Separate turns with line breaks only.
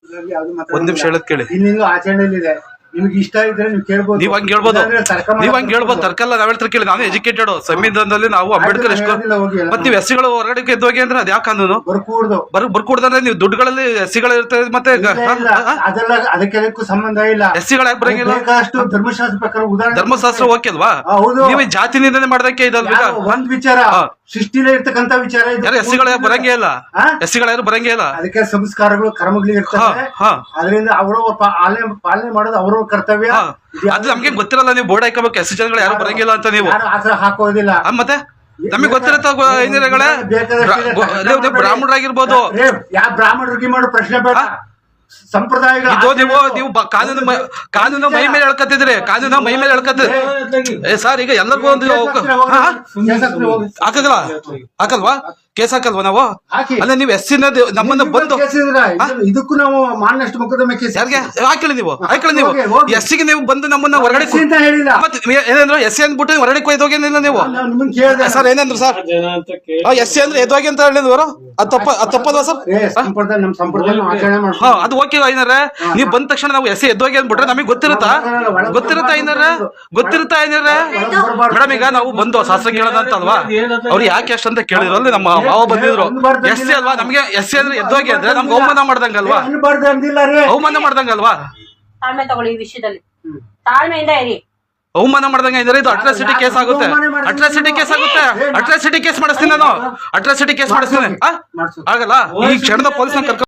ಒಂದ್ ನಿಮಿಷ ಹೇಳದ್ ಕೇಳಿ.
ಇನ್ನಿಂದು ಆಚರಣೆಯಲ್ಲಿದೆ, ನಿಮ್ಗೆ ಇಷ್ಟ ಇದ್ರೆ ನೀವು ಕೇಳ್ಬೋದು.
ನೀವ್ ಹಂಗ್ ಹೇಳ್ಬೋದು ತರ್ಕಲ್ಲ. ನಾವ್ ಹೇಳ್ತಾರೆ ಕೇಳಿ, ನಾನು ಎಜುಕೇಟೆಡ್. ಸಂವಿಧಾನದಲ್ಲಿ ನಾವು ಅಂಬೇಡ್ಕರ್ ಎಷ್ಟು ಮತ್ತೆ ನೀವು ಎಸ್ಸಿಗಳು ಹೊರಗಡೆ ಎದ್ದೋಗಿ ಅಂದ್ರೆ ಅದ್ ಯಾಕೆ ಕಾನೂನು ಬರ್ಕೂಡ್ದಂದ್ರೆ ನೀವು ದುಡ್ಡುಗಳಲ್ಲಿ ಎಸ್ಸಿಗಳು ಇರ್ತದೆ ಮತ್ತೆ
ಅದೆಲ್ಲ ಅದಕ್ಕೆಲ್ಲಕ್ಕೂ ಸಂಬಂಧ ಇಲ್ಲ.
ಎಸ್ಸಿಗಳು ಯಾಕೆ ಬರಂಗಿಲ್ಲ?
ಧರ್ಮಶಾಸ್ತ್ರ ಪ್ರಕಾರ ಉದಾಹರಣೆ
ಧರ್ಮಶಾಸ್ತ್ರ ಓಕೆ ಅಲ್ವಾ? ನೀವು ಜಾತಿ ನಿಂದನೆ ಮಾಡ್ದಕ್ಕೆ ಇದಲ್ವಾ?
ಒಂದ್ ವಿಚಾರ ಸೃಷ್ಟಿಲೇ ಇರ್ತಕ್ಕಂತ ವಿಚಾರ.
ಯಾರು ಎಸ್ಸಿಗಳು ಬರಂಗೇ ಇಲ್ಲ, ಎಸ್ಸಿಗಳು ಯಾರು ಬರಂಗೇ ಇಲ್ಲ.
ಅದಕ್ಕೆ ಸಂಸ್ಕಾರಗಳು ಕರ್ಮಗಳು ಇರ್ತವೆ. ಅದರಿಂದ ಅವರು ಪಾಲನೆ ಮಾಡೋದು ಅವ್ರ ಕರ್ತವ್ಯ.
ಅದು ನಮ್ಗೆ ಗೊತ್ತಿರಲ್ಲ. ನೀವು ಬೋರ್ಡ್ ಹಾಕೋಬೇಕು ಎಸ್ ಜನಗಳು ಯಾರು ಬರಂಗಿಲ್ಲ ಅಂತ. ನೀವು
ಆತರ ಹಾಕೋದಿಲ್ಲ.
ಮತ್ತೆ ನಮಗೆ ಗೊತ್ತಿರತ್ತ ಬ್ರಾಹ್ಮಣರಾಗಿರ್ಬೋದು.
ಯಾವ ಬ್ರಾಹ್ಮಣರಿಗೆ ಮಾಡೋ ಪ್ರಶ್ನೆ ಬೇಡ. ಸಂಪ್ರದಾಯಗಳು
ನೀವು ಕಾನೂನು ಮೈ ಮೇಲೆ ಹೇಳ್ಕತ್ತಿದ್ರಿ. ಕಾನೂನು ಮೈ ಮೇಲೆ ಹೇಳ್ಕತ್ತಿದ್ರಿ ಸರ್. ಈಗ ಎಲ್ಲರಿಗೂ ಒಂದು ಹಾಕಲ್ವಾ? ಕೇಸ್ ಹಾಕಲ್ವಾ ನಾವು? ಅಲ್ಲ ನೀವು ಎಸ್ ನಮ್ಮನ್ನ ಬಂದು
ಇದಕ್ಕೂ ನಾವು ಮಾನನಷ್ಟ ಮೊಕದ್ದಮೆ ಕೇಸ್
ಹಾಕಲಿ. ನೀವು ಎಸ್ಸಿಗೆ ನೀವು ಬಂದು ನಮ್ಮನ್ನ ಹೊರಗಡೆ ಏನಂದ್ರು ಎಸ್ಸಿ ಅಂದ್ಬಿಟ್ಟು ಹೊರಗಡೆ ಕೊಯ್ದೋಗೇನಿಲ್ಲ ನೀವು. ಸರ್ ಏನಂದ್ರು ಸರ್? ಎಸ್ಸಿ ಅಂದ್ರೆ ಎದ್ದೋಗಿ ಅಂತ ಹೇಳಿದ್ವರು. ಅದು ತಪ್ಪಲ್ವಾ ಸರ್?
ನಮ್ಮ ಸಂಪ್ರದಾಯ ಆಚರಣೆ ಮಾಡ್ತೀವಿ.
ಅದು ಓಕೆ ಐನರ. ನೀವು ಬಂದ ತಕ್ಷಣ ನಾವು ಎಸ್ಸಿ ಎದ್ದೋಗಿ ಅಂದ್ಬಿಟ್ರೆ ನಮಗೆ ಗೊತ್ತಿರುತ್ತಾ ಐನರ? ಮೇಡಮ್ ಈಗ ನಾವು ಬಂದು ಶಾಸ್ತ್ರ ಕೇಳೋದಂತ ಅಲ್ವಾ? ಅವ್ರು ಯಾಕೆ ಎಷ್ಟು ಅಂತ ಕೇಳಿದ್ರು ಅಲ್ಲಿ ನಮ್ಮ ಮಾವ ಬಂದಿದ್ರು. ಎಸ್ಸಿ ಅಲ್ವಾ? ನಮ್ಗೆ ಎಸ್ಸಿ ಅಂದ್ರೆ ಎದ್ದೋಗಿ ಅಂದ್ರೆ ನಮ್ಗೆ ಅವಮಾನ ಮಾಡ್ದಂಗಲ್ವಾ? ಅವಮಾನ ಮಾಡ್ದಂಗಲ್ವಾ?
ತಾಳ್ಮೆ ತಗೊಳ್ಳಿ. ಈ ವಿಷಯದಲ್ಲಿ ತಾಳ್ಮೆಯಿಂದ ಇರಿ.
ಅವಮಾನ ಮಾಡ್ದಂಗ ಇದ್ರೆ ಇದು ಅಟ್ರಾಸಿಟಿ ಕೇಸ್ ಆಗುತ್ತೆ. ಅಟ್ರಾಸಿಟಿ ಕೇಸ್ ಮಾಡಿಸ್ತೀನಿ ನಾನು. ಅಟ್ರಾಸಿಟಿ ಕೇಸ್ ಮಾಡಿಸ್ತೀನಿ. ಆಗಲ್ಲ. ಈ ಕ್ಷಣದ ಪೊಲೀಸ್